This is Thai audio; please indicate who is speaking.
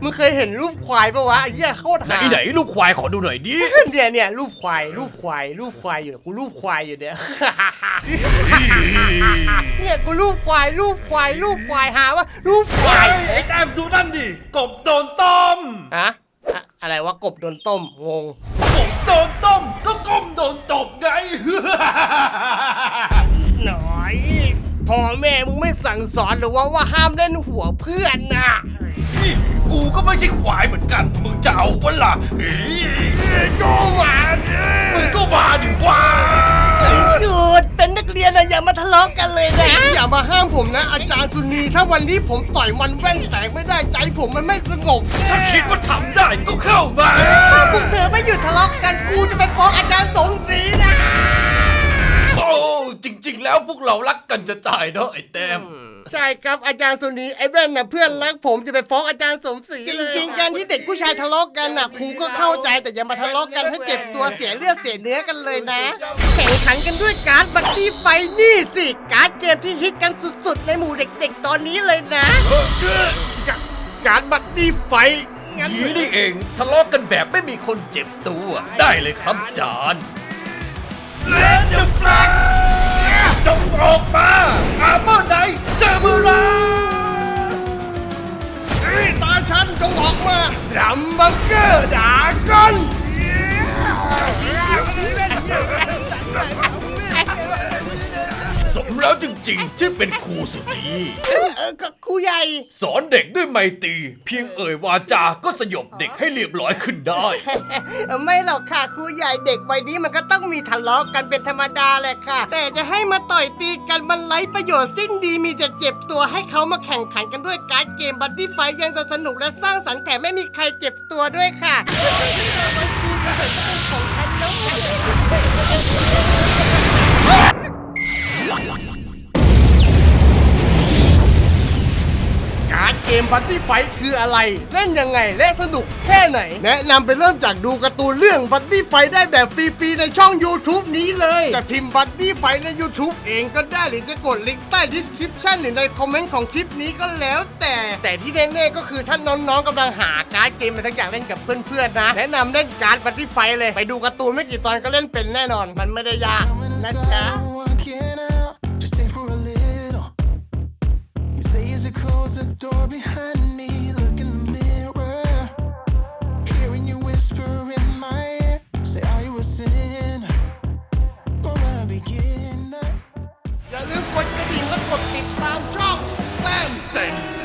Speaker 1: มึงเคยเห็นรูปควายปะวะไอ้เหี้ยโคตรหา
Speaker 2: ไหนลูกควายขอดูหน่อยดิ
Speaker 1: เนี่ยรูปควายอยู่กูรูปควายอยู่เนี่ย เนี่ยกูรูปควายหาว่ารูปควาย
Speaker 2: ไอ้แต้มดูนั่นดิกบโดนต้ม
Speaker 1: อะอะไรวะกบโดนต้มงง
Speaker 2: กบโดนต้มก็ก้มโดนตบไง
Speaker 1: หน่อยพ่อแม่มึงไม่สั่งสอนหรือว่าห้ามเล่นหัวเพื่อนน่ะ
Speaker 2: กูก็ไม่ใช่ควายเหมือนกันมึงจะเอาปะล่ะ
Speaker 1: โจมาเนี่ย
Speaker 2: มึงก็มาดิวะ
Speaker 1: หยุดเป็นนักเรียนนะอย่ามาทะเลาะกันเลยนะอย่ามาห้ามผมนะอาจารย์สุนีถ้าวันนี้ผมต่อยมันแว่นแตกไม่ได้ใจผมมันไม่สงบ
Speaker 2: ถ้าคิดว่าทำได้ก็เข้ามา
Speaker 1: ถ้าพวกเธอไม่หยุดทะเลาะกันกูจะไปฟ้องอาจารย์สมศรีนะ
Speaker 2: โอ้จริงๆแล้วพวกเรารักกันจะตายเนาะไอ้แต้ม
Speaker 1: ใช่ครับอาจารย์สุนีไอ้แว่นน่ะเพื่อนรักผมจะไปฟ้องอาจารย์สมศรีจริงๆการที่เด็กผู้ชายทะเลาะกันน่ะครูก็เข้าใจแต่อย่ามาทะเลาะกันให้เจ็บตัวเสียเลือดเสียเนื้อกันเลยนะแข่งขันกันด้วยการ์ดบัดดี้ไฟนี่สิการ์ดเกมที่ฮิตกันสุดๆในหมู่เด็กๆตอนนี้เลยนะการ์ดบัดดี้ไฟงั้น
Speaker 2: นี่นี่เองทะเลาะกันแบบไม่มีคนเจ็บตัวได้เลยครับจานเลนเดอร์ฟลักจงออกมาอาร์เมอร์ไนท์เซอร์มูราส
Speaker 1: ตาฉันจงออกมาดัมบังเกอร์ดาก้อน
Speaker 2: สมแล้วจริงๆที่เป็นครูสุนี
Speaker 1: ก็ครูใหญ่
Speaker 2: สอนเด็กด้วยไมตรีเพียงเอ่ยวาจาก็สยบเด็กให้เรียบร้อยขึ้นได้
Speaker 1: ไม่หรอกค่ะครูใหญ่เด็กวัยนี้มันก็ต้องมีทะเลาะกันเป็นธรรมดาแหละค่ะ แต่จะให้มาต่อยตีกันมันไร้ประโยชน์สิ้นดีมีแต่เจ็บตัวให้เขามาแข่งขันกันด้วยการ์ดเกมบัดดี้ไฟยังจะสนุกและสร้างสรรค์แถมไม่มีใครเจ็บตัวด้วยค่ะของฉันแล้วการ์ดเกมบัดดี้ไฟคืออะไรเล่นยังไงและสนุกแค่ไหนแนะนำไปเริ่มจากดูการ์ตูนเรื่องบัดดี้ไฟได้แบบฟรีๆในช่อง YouTube นี้เลยจะพิมพ์บัดดี้ไฟใน YouTube เองก็ได้หรือจะกดลิงก์ใต้ description หรือในคอมเมนต์ของคลิปนี้ก็แล้วแต่ที่แน่ๆก็คือถ้าน้องๆกำลังหาการ์ดเกมอะไรทั้งอย่างเล่นกับเพื่อนๆนะแนะนำเล่นการ์ดบัดดี้ไฟเลยไปดูการ์ตูนไม่กี่ตอนก็เล่นเป็นแน่นอนมันไม่ได้ยากนะจ๊ะ
Speaker 3: Just stay for a little. You say as you close the door behind me, look in the mirror, hearing you whisper in my ear. Say, are you a sinner or a beginner?
Speaker 1: อย่าลืมกดกระดิ่งและกดติดตามช่องแซมเซน